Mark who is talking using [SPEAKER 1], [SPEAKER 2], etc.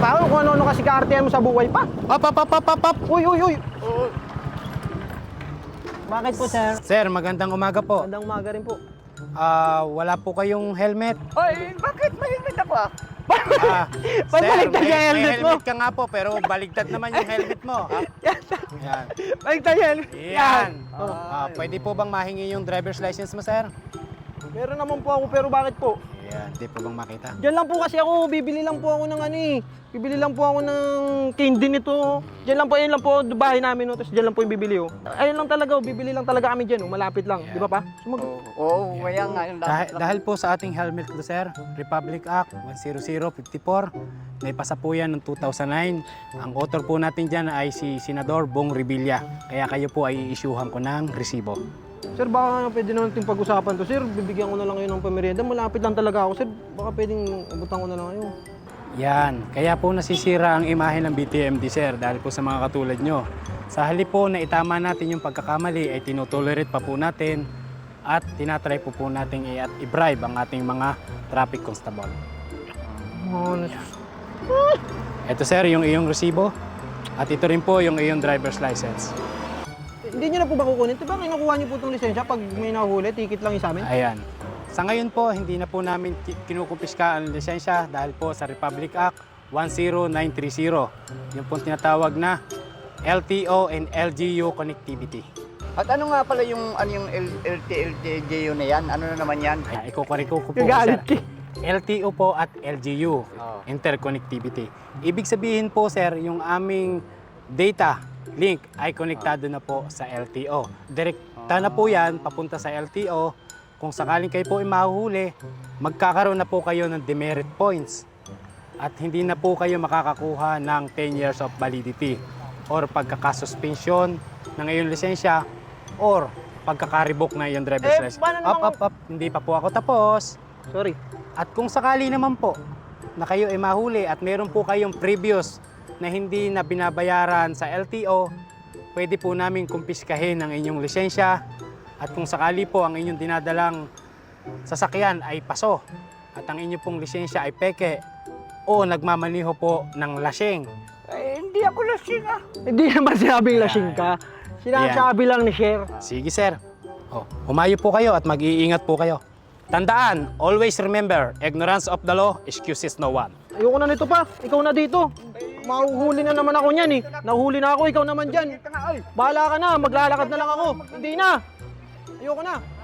[SPEAKER 1] pa ako kung ano-ano kasi kaartihan mo sa buhay pa.
[SPEAKER 2] Up.
[SPEAKER 1] Uy, uy, uy. Bakit po, sir?
[SPEAKER 2] Sir, magandang umaga po.
[SPEAKER 1] Magandang umaga rin po.
[SPEAKER 2] Wala po kayong helmet.
[SPEAKER 3] Ay, bakit may helmet ako ah?
[SPEAKER 1] Ba't baligtad yung
[SPEAKER 2] may
[SPEAKER 1] helmet mo?
[SPEAKER 2] helmet ka nga po, pero baligtad naman yung helmet mo. Yan.
[SPEAKER 1] Baligtad yan.
[SPEAKER 2] Yan. Pwede po bang mahingi yung driver's license mo, sir?
[SPEAKER 1] Meron naman po ako, pero bakit po?
[SPEAKER 2] Yan, di po bang makita?
[SPEAKER 1] Diyan lang po kasi ako, bibili lang po ako ng ano eh. Bibili lang po ako ng candy nito. Diyan lang po, ayun lang po, bahay namin, no? Tapos diyan lang po yung bibili, oh. Ayun lang talaga, oh. Bibili lang talaga kami diyan, oh. Malapit lang, di ba pa?
[SPEAKER 3] Oo, kaya nga yung
[SPEAKER 2] Dahil po sa ating helmet ko, sir, Republic Act 10054, naipasa po yan noong 2009. Ang author po natin dyan ay si Senador Bong Revilla. Kaya kayo po ay i-issuehan ko ng resibo.
[SPEAKER 1] Sir, baka pwede naman natin pag-usapan to. Sir, bibigyan ko na lang kayo ng pamerienda. Malapit lang talaga ako, sir. Baka pwedeng abutan ko na lang kayo.
[SPEAKER 2] Yan, kaya po nasisira ang imahe ng BTMD, sir, dahil po sa mga katulad nyo. Sa halip po na itama natin yung pagkakamali, ay tinutolerate pa po natin at tinatry po natin i-bribe ang ating mga traffic constable. Ito, sir, yung iyong resibo at ito rin po yung iyong driver's license.
[SPEAKER 1] Hindi nyo na po ba kukunin? Diba kinukuha nyo po itong lisensya pag may nahuli, ticket lang yung sa amin?
[SPEAKER 2] Ayan. Sa ngayon po, hindi na po namin kinukumpiska ang lisensya dahil po sa Republic Act 10930. Yung po tinatawag na LTO and LGU connectivity.
[SPEAKER 3] At ano nga pala yung LTO na yan? Ano na naman yan?
[SPEAKER 2] Ayan, ikukuriko ko po,
[SPEAKER 1] Gagalit
[SPEAKER 2] sir. LTO po at LGU, interconnectivity. Ibig sabihin po, sir, yung aming data link ay konektado na po sa LTO. Direkta na po yan, papunta sa LTO. Kung sakaling kayo po ay mahuhuli, magkakaroon na po kayo ng demerit points. At hindi na po kayo makakakuha ng 10 years of validity or pagkakasuspension ng iyong lisensya or pagkakaribok na iyong driver's license. Up. Hindi pa po ako tapos.
[SPEAKER 1] Sorry.
[SPEAKER 2] At kung sakali naman po na kayo ay mahuli at meron po kayong previous na hindi na binabayaran sa LTO, pwede po namin kumpiskahin ang inyong lisensya. At kung sakali po ang inyong dinadalang sasakyan ay paso at ang inyong pong lisensya ay peke o nagmamaniho po ng lasing.
[SPEAKER 3] Ay, hindi ako lasing ah.
[SPEAKER 1] Hindi naman sinabing lasing ka. Sinasabi lang ni Sir.
[SPEAKER 2] Sige, sir. Humayo po kayo at mag-iingat po kayo. Tandaan, always remember, ignorance of the law excuses no one.
[SPEAKER 1] Ayoko na nito pa. Ikaw na dito. Mahuhuli na naman ako niyan eh. Nahuhuli na ako, ikaw naman dyan. Bahala ka na, maglalakad na lang ako. Hindi na. Ayoko na.